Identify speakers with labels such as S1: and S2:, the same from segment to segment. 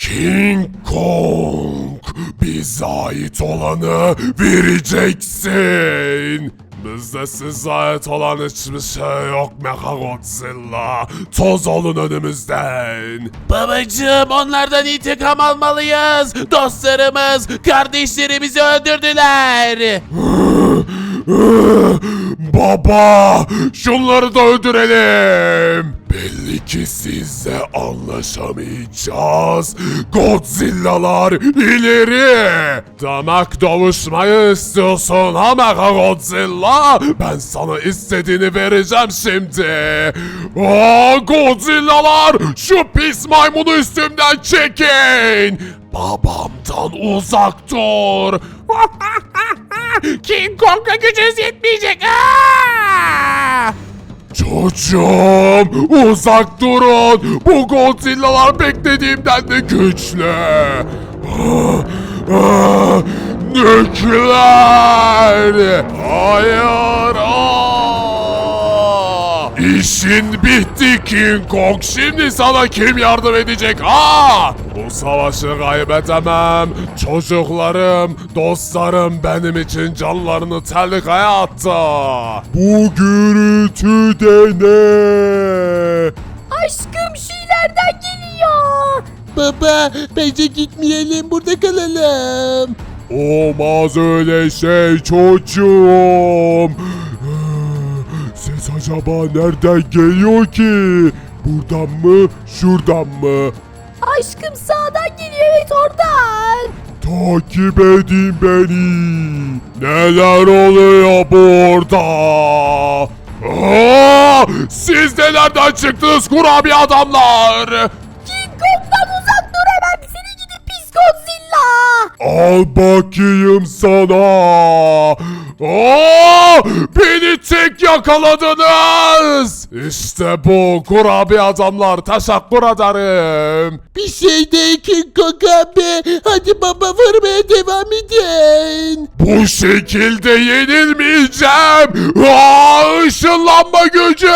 S1: King Kong, bize ait olanı vereceksin. Bizde size ait olan hiçbir şey yok Mechagodzilla. Toz olun önümüzden.
S2: Babacığım, onlardan intikam almalıyız. Dostlarımız, kardeşlerimizi öldürdüler.
S1: Baba, şunları da öldürelim. Belli ki sizle anlaşamayacağız. Godzilla'lar ileri. Demek dövüşmeyi istiyorsun ha Mechagodzilla? Ben sana istediğini vereceğim şimdi. Aa, Godzilla'lar, şu pis maymunu üstümden çekin. Babamdan uzak dur.
S2: King Kong'a gücünüz yetmeyecek. Aa!
S1: Çocuğum, uzak durun. Bu Godzilla'lar beklediğimden de güçlü. Nükleer. Hayır. İşin bitti King Kong. Şimdi sana kim yardım edecek? Bu savaşı kaybedemem. Çocuklarım, dostlarım benim için canlarını tehlikeye attı. Bu gürültü de ne?
S3: Aşkım, şu ileriden geliyor.
S2: Baba, bence gitmeyelim, burada kalalım.
S1: Olmaz öyle şey çocuğum. Ses acaba nereden geliyor ki? Buradan mı, şuradan mı?
S3: Aşkım, sağdan geliyor, evet oradan.
S1: Takip edin beni. Neler oluyor burada? Siz de nereden çıktınız kurabiye adamlar?
S3: King Kong'dan uzak dur hemen, seni gidip pis Godzilla.
S1: Al bakayım sana. Beni tek yakaladınız. İşte bu kurabiye adamlar, teşekkür ederim.
S2: Bir şey değil King Kong abi. Hadi baba, vurmaya devam edin.
S1: Bu şekilde yenilmeyeceğim. Işınlanma gücü.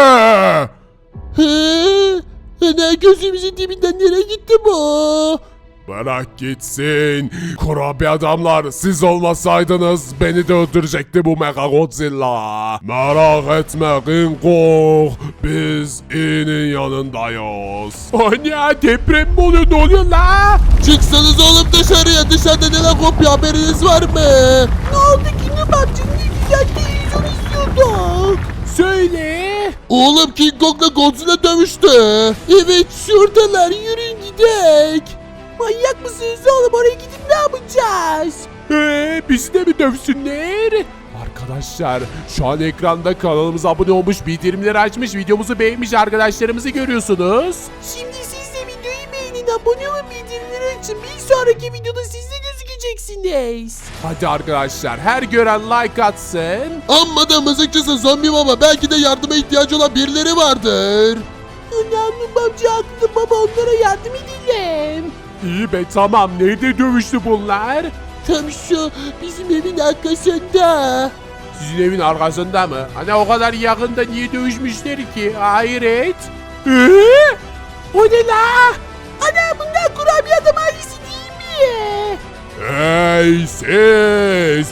S2: Hı? Ana, gözümüzün dibinden nereye gitti bu?
S1: Bırak gitsin. Kurabiye adamlar, siz olmasaydınız beni de öldürecekti bu Mechagodzilla. Merak etme King Kong. Biz iyinin yanındayız.
S2: Anne, deprem mi oluyor? Ne oluyor la? Çıksanız oğlum dışarıya. Dışarıda neler kopuyor, haberiniz var mı? Ne oldu ki? Ne baktın? Ne güzel televizyon izliyorduk. Söyle. Oğlum, King Kong'la Godzilla dövüştü. Evet, şuradalar. Yürüyün gidelim. Manyak mısınız oğlum? Oraya gidip ne yapacağız? Bizi de mi dövsünler? Arkadaşlar, şu an ekranda kanalımıza abone olmuş, bildirimleri açmış, videomuzu beğenmiş arkadaşlarımızı görüyorsunuz. Şimdi siz de videoyu beğenin, abone olun, bildirimleri açın. Bir sonraki videoda siz de gözükeceksiniz. Hadi arkadaşlar, her gören like atsın. Amma da mızıkçısın zombi baba. Belki de yardıma ihtiyacı olan birileri vardır. Önemli amca haklı baba, onlara yardım edelim. İyi be, tamam. Nerede dövüştü bunlar? Tam şu bizim evin arkasında. Sizin evin arkasında mı? Hani o kadar yakında niye dövüşmüşler ki? Hayret. O ne la? Ana, bunlar kurabiye adam ailesi değil mi?
S1: Hey siz!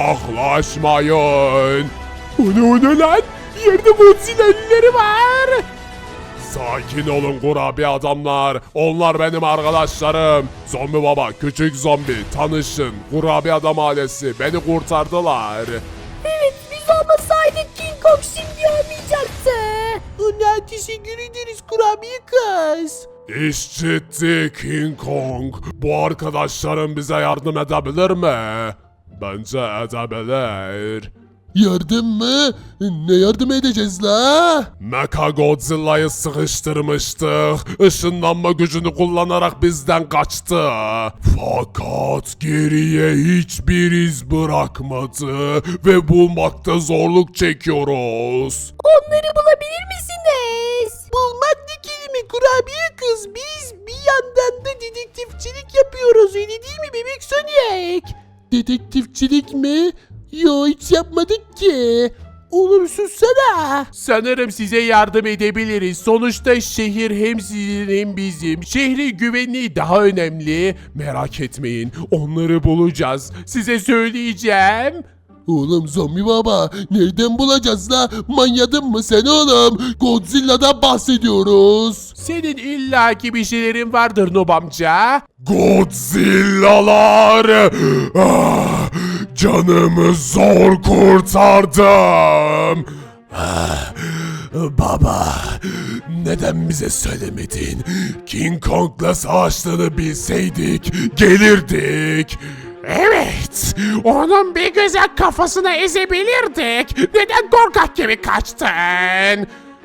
S1: Yaklaşmayın!
S2: O ne lan? Yerde Godzilla elleri var.
S1: Sakin olun kurabiye adamlar. Onlar benim arkadaşlarım. Zombi baba, küçük zombi, tanışın. Kurabiye adam ailesi beni kurtardılar.
S3: Evet, biz olmasaydık King Kong şimdi olmayacaktı.
S2: Ona teşekkür ederiz kurabiye kız.
S1: İş ciddi King Kong. Bu arkadaşlarım bize yardım edebilir mi? Bence edebilir.
S2: Yardım mı? Ne yardım edeceğiz la?
S1: Mechagodzilla'yı sıkıştırmıştık. Işınlanma gücünü kullanarak bizden kaçtı. Fakat geriye hiçbir iz bırakmadı ve bulmakta zorluk çekiyoruz.
S3: Onları bulabilir misiniz?
S2: Bulmak ne kelime kurabiye kız? Biz bir yandan da dedektifçilik yapıyoruz, öyle değil mi bebek Sonic? Dedektifçilik mi? Yo, hiç yapmadık ki. Oğlum sussana. Sanırım size yardım edebiliriz. Sonuçta şehir hem sizin hem bizim. Şehrin güvenliği daha önemli. Merak etmeyin. Onları bulacağız. Size söyleyeceğim. Oğlum zombi baba nereden bulacağız la? Manyadın mı sen oğlum? Godzilla'dan bahsediyoruz. Senin illaki bir şeylerin vardır Nob amca.
S1: Godzilla'lar! Ah, canımı zor kurtardım. Ah, baba, neden bize söylemedin? King Kong'la savaştığını bilseydik gelirdik.
S2: Evet, onun bir güzel kafasına ezebilirdik. Neden korkak gibi kaçtın?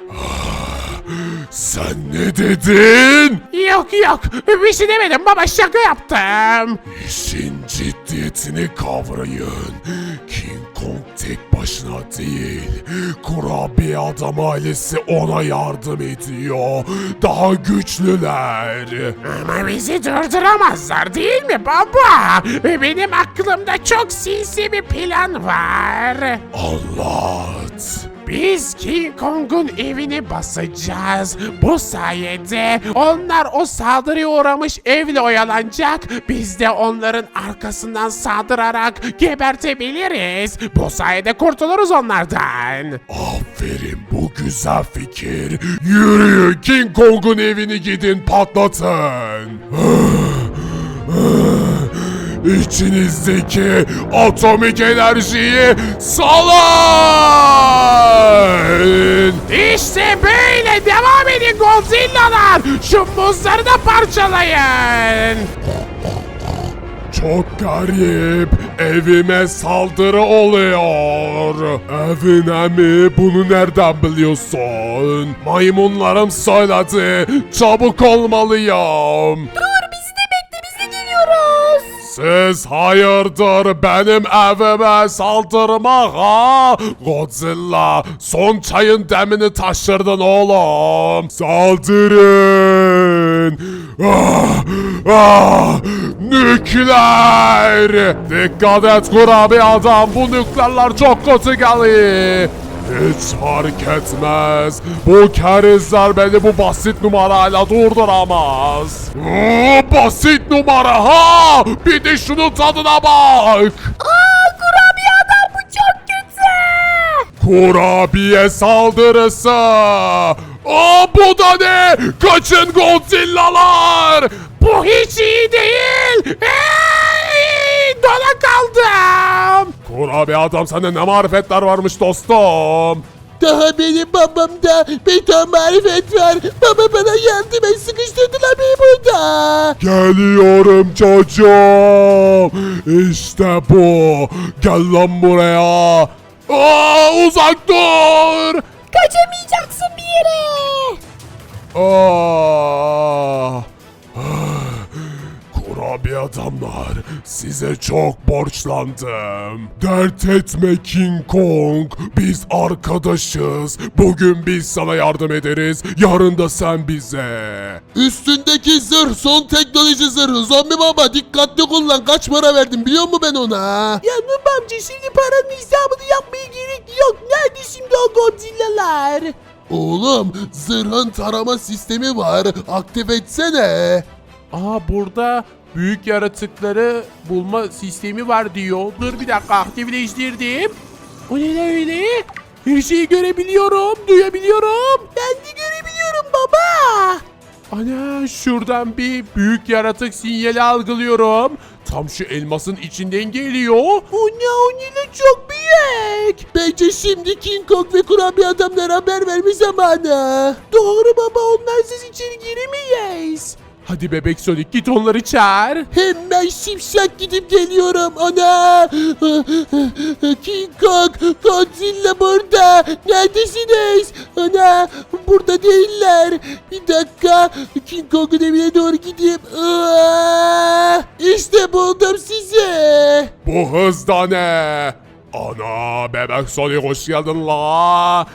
S1: Sen ne dedin?
S2: Yok yok, bir şey demedim baba, şaka yaptım.
S1: İşin ciddiyetini kavrayın. King Kong tek başına değil. Kurabiye adam ailesi ona yardım ediyor. Daha güçlüler.
S2: Ama bizi durduramazlar değil mi baba? Benim aklımda çok sinsi bir plan var.
S1: Anlat.
S2: Biz King Kong'un evini basacağız. Bu sayede onlar o saldırıya uğramış evle oyalanacak. Biz de onların arkasından saldırarak gebertebiliriz. Bu sayede kurtuluruz onlardan.
S1: Aferin, bu güzel fikir. Yürüyün, King Kong'un evini gidin patlatın. İçinizdeki atomik enerjiyi salın.
S2: İşte böyle devam edin Godzilla'lar. Şu muzları da parçalayın.
S1: Çok garip. Evime saldırı oluyor. Evine mi? Bunu nereden biliyorsun? Maymunlarım söyledi. Çabuk olmalıyım.
S3: Dur bizi de bekle biz de geliyoruz.
S1: Siz hayırdır benim evime saldırmak ha? Godzilla, son çayın demini taşırdın oğlum. Saldırın. Ah, ah, nükleer. Dikkat et kurabiye adam, bu nükleerler çok kötü geliyor. Hiç fark etmez. Bu kerizler beni bu basit numarayla durduramaz. Basit numara ha! Bir de şunun tadına bak.
S3: Kurabiye adam bu çok kötü.
S1: Kurabiye saldırısı. Bu da ne? Kaçın Godzilla'lar.
S2: Bu hiç iyi değil. Dona kaldım.
S1: Kurabiye adam, sende ne marifetler varmış dostum.
S2: Daha benim babamda bir ton marifet var. Baba bana yardım et, sıkıştırdılar beni burada.
S1: Geliyorum çocuğum. İşte bu. Gel lan buraya. Uzak dur.
S3: Kaçamayacaksın bir yere.
S1: Ah. Kurabiye adamlar, size çok borçlandım. Dert etme King Kong, biz arkadaşız. Bugün biz sana yardım ederiz, yarın da sen bize. Üstündeki zırh son teknoloji zırhı. Zombi baba dikkatli kullan, kaç para verdim biliyor musun ben ona?
S2: Ya Nub amca şimdi paranın hesabını yapmaya gerek yok. Nerede şimdi o Godzilla'lar?
S1: Oğlum, zırhın tarama sistemi var, aktif etsene.
S2: Burada büyük yaratıkları bulma sistemi var diyor. Dur bir dakika, aktifleştirdim. O ne lan öyle? Her şeyi görebiliyorum, duyabiliyorum. Ben de görebiliyorum baba. Ana, şuradan bir büyük yaratık sinyali algılıyorum. Tam şu elmasın içinden geliyor. O ne çok büyük. Bence şimdi King Kong ve kurabiye adamlara haber verme zamanı. Doğru baba, onlarsız içeri giremeyiz. Hadi bebek Sonic, git onları çağır. Hemen şimşek gidip geliyorum. Ana! King Kong, Godzilla burada. Neredesiniz? Ana! Burada değiller. Bir dakika. King Kong'un evine doğru gideyim. İşte buldum sizi.
S1: Bu hızda ne? Ana bebek Sonic hoş geldin la.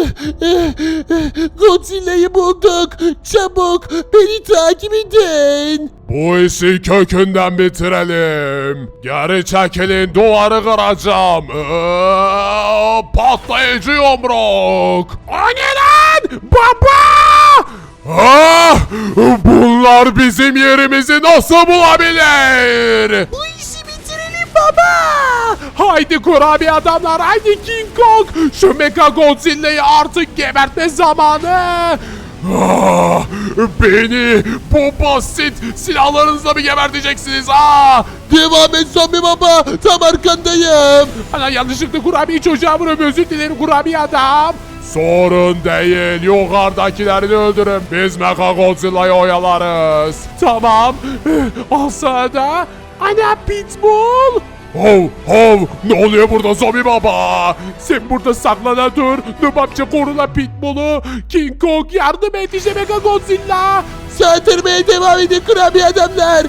S2: Godzilla'yı bulduk. Çabuk beni takip edin.
S1: Bu işi kökünden bitirelim. Geri çekilin duvarı kıracağım. Patlayıcı yumruk.
S2: O ne lan? Baba!
S1: Ah, bunlar bizim yerimizi nasıl bulabilir?
S2: Bu işi bitirelim baba. Haydi kurabiye adamlar, haydi King Kong. Şu Mecha Godzilla'yı artık gebertme zamanı.
S1: Ah, beni bu basit silahlarınızla mı geberteceksiniz? Ah!
S2: Devam et zombi baba. Tam arkandayım. Ana yanlışlıkla kurabiye çocuğa vuruyorum. Özür dilerim kurabiye adam.
S1: Sorun değil. Yukarıdakilerini öldürün. Biz Mecha Godzilla'yı oyalarız.
S2: Tamam. Al sana da. Ana Pitbull.
S1: Hov hov, ne oluyor burada zombi baba?
S2: Sen burada saklana dur. Nubapça korula Pitbull'u. King Kong yardım et işte Mecha Godzilla. Saldırmaya devam edin kurabiye adamlar.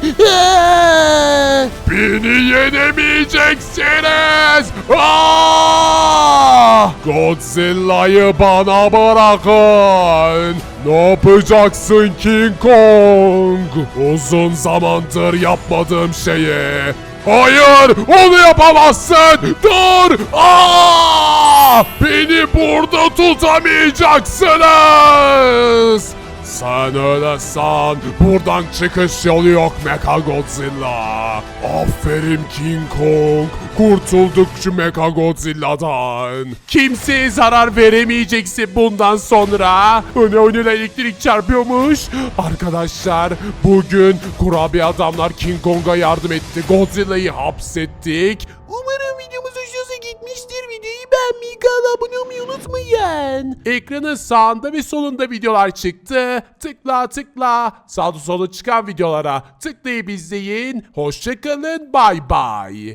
S1: Beni yenemeyeceksiniz. Ah! Godzilla'yı bana bırakın. Ne yapacaksın King Kong? Uzun zamandır yapmadığım şeyi. Hayır, onu yapamazsın. Dur! Aa! Beni burada tutamayacaksınız. Sen öyle san. Buradan çıkış yolu yok Mecha Godzilla. Aferin King Kong. Kurtulduk şu Mecha Godzilla'dan.
S2: Kimseye zarar veremeyeceksin bundan sonra. Önüne elektrik çarpıyormuş. Arkadaşlar bugün kurabiye adamlar King Kong'a yardım etti. Godzilla'yı hapsettik. Umarım videomuz hoşunuza gitmiştir. Videoyu beğenmeyi, kanala abone olmayı unutmayın. Ekranın sağında ve solunda videolar çıktı. Tıkla tıkla. Sağda solda çıkan videolara tıklayıp izleyin. Hoşçakalın. Bay bay.